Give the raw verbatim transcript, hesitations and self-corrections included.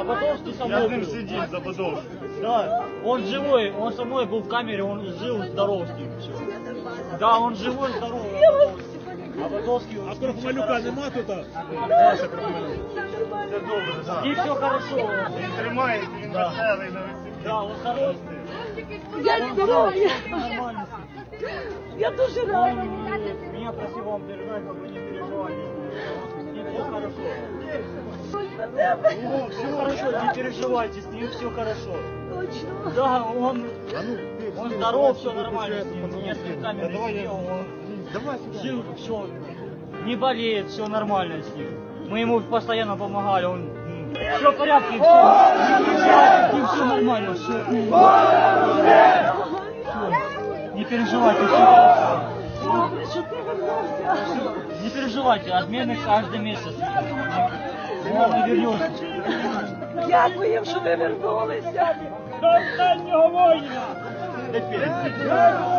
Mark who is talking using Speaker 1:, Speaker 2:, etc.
Speaker 1: Подольский со
Speaker 2: Я
Speaker 1: мной
Speaker 2: с ним
Speaker 1: был.
Speaker 2: сидел за Подольским.
Speaker 1: Да, он живой, он со мной был в камере, он жил, здоров с ним. Все. Да, он живой, здоровый. А Подольский...
Speaker 3: А Крохмалюка нема тут?
Speaker 2: Все добре, так.
Speaker 1: И все хорошо.
Speaker 2: Він тримається, він
Speaker 1: Да.
Speaker 2: веселий на весіллі.
Speaker 1: Да, он хороший.
Speaker 4: Я здоров'я.
Speaker 1: Нормально.
Speaker 4: Я дуже
Speaker 1: Он
Speaker 4: рада.
Speaker 1: меня просил вам передать, как вы не переживайте. И все хорошо. Ну, все хорошо, не переживайте, с ним все хорошо.
Speaker 4: Точно.
Speaker 1: Да, он, он здоров, все нормально с ним. Несколько камер сидел, он жил, все, не болеет, все нормально с ним. Мы ему постоянно помогали, он все в порядке, все, все нормально, все. Не переживайте, все хорошо.
Speaker 4: Добре, що ти вернувся.
Speaker 1: Не переживайте, отмены каждый месяц. Он не вернется.
Speaker 4: Дякую, що ви вернулися.
Speaker 1: До останнього воїна!